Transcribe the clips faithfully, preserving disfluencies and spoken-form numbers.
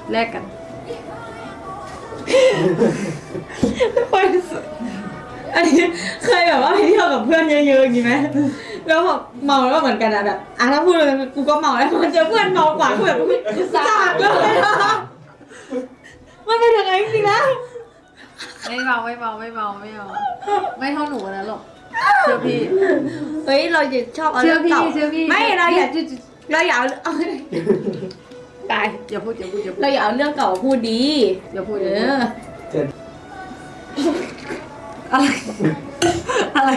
แลกกันอันนี้เคยแบบว่าไปเที่ยวกับเพื่อนเยอะๆอย่างนี้ไหมแล้วแบบเมาแล้วเหมือนกันอะแบบอ่ะถ้าพูดเลยกูก็เมาแล้วมันเจอเพื่อนเมากว่ากูแบบกูสาดเลยมันเป็นยังไงจริงๆนะไม่เมาไม่เมาไม่เมาไม่เมาไม่เท่าหนูนะหรอกเชื่อพี่เฮ้ยเราจะชอบเอาเชื่เรื่อองพี่เก่าเชื่อพี่ไม่เราอย่าเราอย่าเอาตายอย่าพูดอย่าพูดอย่าพูดเราอย่าเอาเรื่องเก่าพูดดีอย่าพูดเออย่าพูดอเชิญอะไรอะไร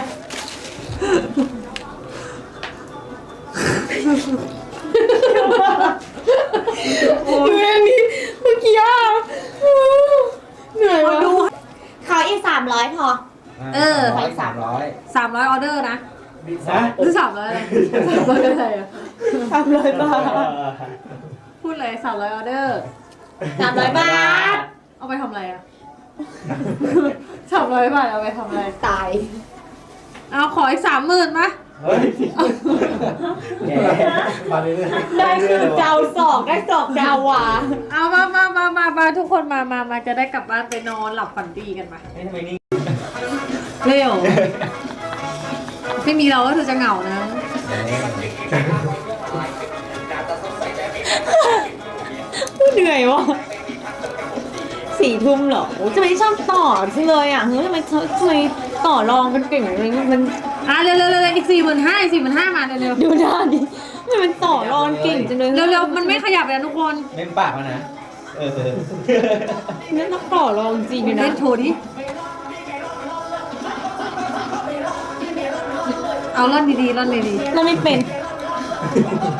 โอ้ยอันนี้เมื่อกี้อ่ะเหนื่อยวะดูขออีกสามร้อยพอเออร้อยสามร้อยสามร้อยออเดอร์นะนะหรือสามร้อยอะไรสามร้อยอะไรอะสามร้อยบาทพูดเลยสามร้อยออเดอร์สามร้อยบาทเอาไปทำอะไรอะสามร้อยบาทเอาไปทำอะไรตายเอาขออีกสามหมื่นมาเฮ้ยแกมาเรื่อยๆได้คือเจ้าสองได้สองเจ้าว่ะเอามามามามามาทุกคนมามามาจะได้กลับบ้านไปนอนหลับฝันดีกันมาเฮ้ยทำไมนี่เร็วไม่มีเราก็เธอจะเหงานะเหนื่อยวะสี่ทุ่มเหรอโอ้จะไม่ชอบต่อจังเลยอ่ะเฮ้ยทำไมทำไมต่อรองกันเก่งเลยมันอ่ะเร็วเร็วเร็วอีกสี่หมื่นห้าอีกสี่หมื่นห้ามาเร็วเร็วดูหน้าดิทำไมมันต่อรองเก่งจังเลยเร็วเร็วมันไม่ขยับเลยนะทุกคนเล่นปากมานะ เออนี่ต้องต่อรองจริงเลยนะเล่นโชว์ดิเอาล่อนดีๆล่อนดีเราไม่เป็นๆ